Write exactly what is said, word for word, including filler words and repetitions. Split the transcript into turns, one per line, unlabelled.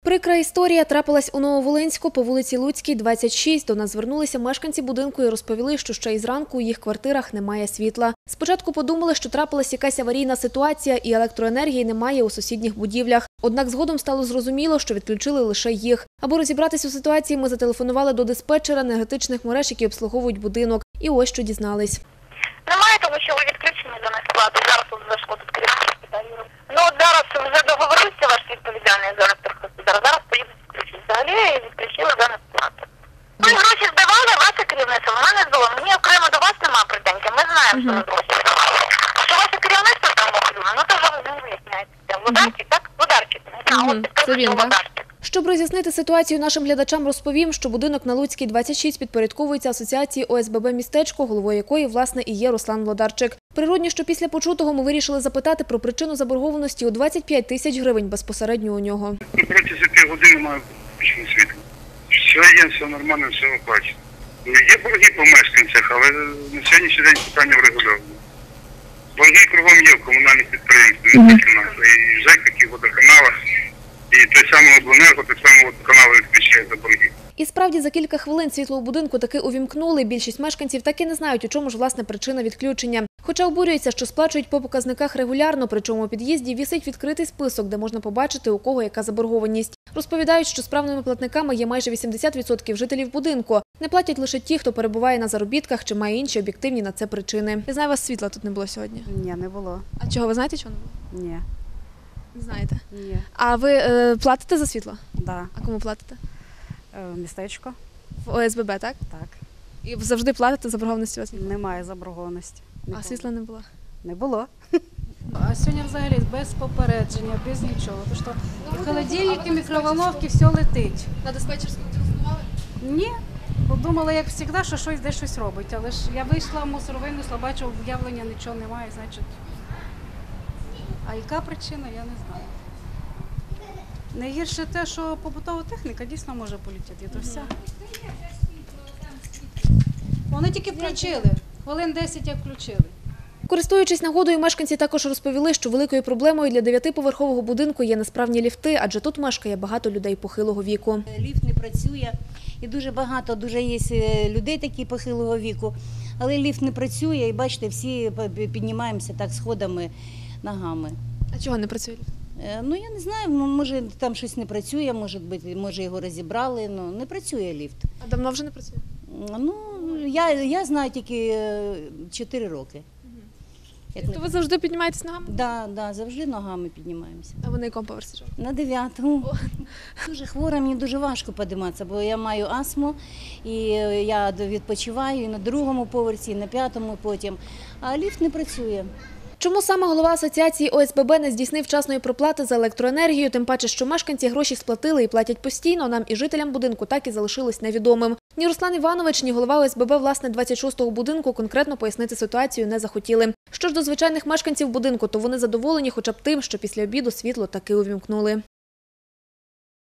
Прикра історія трапилась у Нововолинську по вулиці Луцькій, двадцять шість. До нас звернулися мешканці будинку і розповіли, що ще із ранку у їх квартирах немає світла. Спочатку подумали, що трапилась якась аварійна ситуація і електроенергії немає у сусідніх будівлях. Однак згодом стало зрозуміло, що відключили лише їх. Аби розібратись у ситуації, ми зателефонували до диспетчера енергетичних мереж, які обслуговують будинок. І ось що дізнались.
Немає, тому що ви відключені до нас плати. Зараз тут зайшло тут керівник. Ну, от зараз вже договорився ваш відповідальний за електрохосподар. Зараз поїдуть відключити. Взагалі відключили за нас плату. Ми гроші здавали, ваше керівництво, вона не здала. Мені окремо до вас немає претензій. Ми знаємо, що ви гроші здавали. А що ваше керівництво там охрюне, ну то вже ви не виясняєте. Водарчик, так? Водарчик.
Це він, так? Щоб роз'яснити ситуацію нашим глядачам, розповім, що будинок на Луцькій, двадцять шість підпорядковується асоціації О С Б Б «Містечко», головою якої, власне, і є Руслан Владарчик. Природні, що після почутого ми вирішили запитати про причину заборгованості у двадцять п'ять тисяч гривень безпосередньо у нього.
Протягом півгодини має включено світло. Все є, все нормально, все оплачено. Є борги по мешканцях, але на сьогоднішній день питання врегульовано. Борги кругом є в комунальних підприємствах, не тільки в нас. І в ЖЕКах, і в водоканалах, і той самий обленерго, той самий водоканал відключає за борги.
І справді за кілька хвилин світло у будинку таки увімкнули. Більшість мешканців так і не знають, у чому ж власне причина відключення. Хоча обурюються, що сплачують по показниках регулярно, причому у під'їзді вісить відкритий список, де можна побачити, у кого яка заборгованість. Розповідають, що справними платниками є майже вісімдесят відсотків жителів будинку. Не платять лише ті, хто перебуває на заробітках чи має інші об'єктивні на це причини. Я знаю, у вас світла тут не було сьогодні?
Ні, не було.
А чого, ви знаєте, чого не було?
Ні.
Не знаєте.
Ні.
А ви е, платите за світло?
Да.
А кому платите?
Е, Містечко.
В О С Б Б, так?
Так.
І завжди платите, заборгованості у вас немає?
Немає заборгованості. Не
А
було.
світла не було?
Не було.
А сьогодні взагалі без попередження, без нічого. Тому що холодильники, мікроволновки, все летить.
На диспетчерську телефонували?
Ні. Подумала, як завжди, що щось де щось робить. Але ж я вийшла в мусор, винесла, бачу, об'явлення нічого немає, значить. А яка причина, я не знаю. Найгірше те, що побутова техніка дійсно може полетіти. То все. Вони тільки включили. Хвилин десять як включили.
Користуючись нагодою, мешканці також розповіли, що великою проблемою для дев'ятиповерхового будинку є несправні ліфти, адже тут мешкає багато людей похилого віку.
Ліфт не працює і дуже багато, дуже є людей такі похилого віку, але ліфт не працює і бачите, всі піднімаємося так сходами, ногами.
А чого не працює ліфт?
Ну я не знаю, може там щось не працює, може, може його розібрали, але не працює ліфт.
А давно вже не працює?
Ну, я, я знаю тільки чотири роки.
То ви завжди піднімаєтесь ногами?
Так, да, да, завжди ногами піднімаємося.
А ви на якому поверсі живете?
На дев'ятому. Дуже хвора, мені дуже важко підніматися, бо я маю астму, і я відпочиваю і на другому поверсі, і на п'ятому потім, а ліфт не працює.
Чому саме голова асоціації О С Б Б не здійснив вчасної проплати за електроенергію, тим паче, що мешканці гроші сплатили і платять постійно, нам і жителям будинку так і залишилось невідомим. Ні Руслан Іванович, ні голова О С Б Б, власне, двадцять шостого будинку конкретно пояснити ситуацію не захотіли. Що ж до звичайних мешканців будинку, то вони задоволені хоча б тим, що після обіду світло таки увімкнули.